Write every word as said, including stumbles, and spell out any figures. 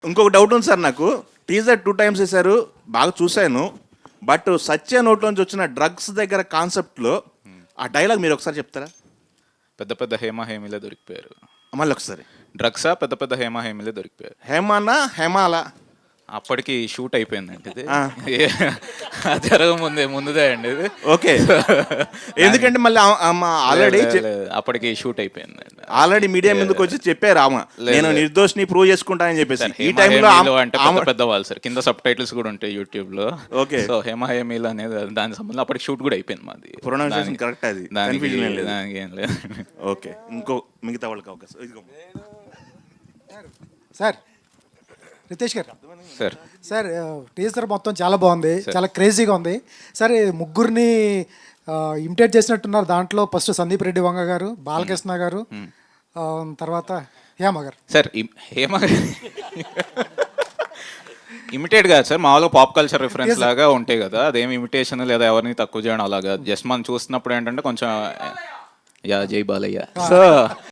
ఇంకొక డౌట్ ఉంది సార్ నాకు. టీజర్ టూ టైమ్స్ వేశారు, బాగా చూశాను. బట్ సత్య నోట్లోంచి వచ్చిన డ్రగ్స్ దగ్గర కాన్సెప్ట్లో ఆ డైలాగ్ మీరు ఒకసారి చెప్తారా? పెద్ద పెద్ద హేమ హేమిలే దొరికిపోయారు. మళ్ళీ ఒకసారి. డ్రగ్సా పెద్ద పెద్ద హేమ హేమిలే దొరికిపోయారు. హేమానా హేమాలా? అప్పటికి షూట్ అయిపోయిందండి ఇది. జరగ ముందే ముందుదే అండి ఇది. ఓకే. ఎందుకంటే మళ్ళీ ఆల్రెడీ అప్పటికి షూట్ అయిపోయిందండి. ఆల్రెడీ మీడియా ముందుకు వచ్చి చెప్పారు ఆమె, నేను నిర్దోషిని ప్రూవ్ చేసుకుంటానని చెప్పేసి. ఈ టైంలో అంటే పెద్ద పెద్ద వాళ్ళు సార్, కింద సబ్ టైటిల్స్ కూడా ఉంటాయి యూట్యూబ్ లో. ఓకే. సో హేమ హేమిల్ అనేది దాని సంబంధం అప్పటికి షూట్ కూడా అయిపోయింది మాది. ప్రొనౌన్సియేషన్ కరెక్ట్ అది, కన్ఫ్యూజన్ ఏం లేదు. దానికి ఏం లేదు. ఓకే. ఇంకో మిగతా వాళ్ళకి అవకాశం. సార్ రితేష్ గారు సార్ సార్ టీజర్ మొత్తం చాలా బాగుంది, చాలా క్రేజీగా ఉంది సార్. ముగ్గురిని ఇమిటేట్ చేసినట్టున్నారు దాంట్లో. ఫస్ట్ సందీప్ రెడ్డి వంగ గారు, బాలకృష్ణ గారు, తర్వాత హేమ గారు. సార్ హేమ ఇమిటేట్ కాదు సార్, మామూలుగా పాప్ కల్చర్ రిఫరెన్స్ లాగా ఉంటాయి కదా, అదేం ఇమిటేషన్ లేదా ఎవరిని తక్కువ చేయడం అలాగా. జస్ట్ మనం చూస్తున్నప్పుడు ఏంటంటే కొంచెం యా జై బాలయ్య. సో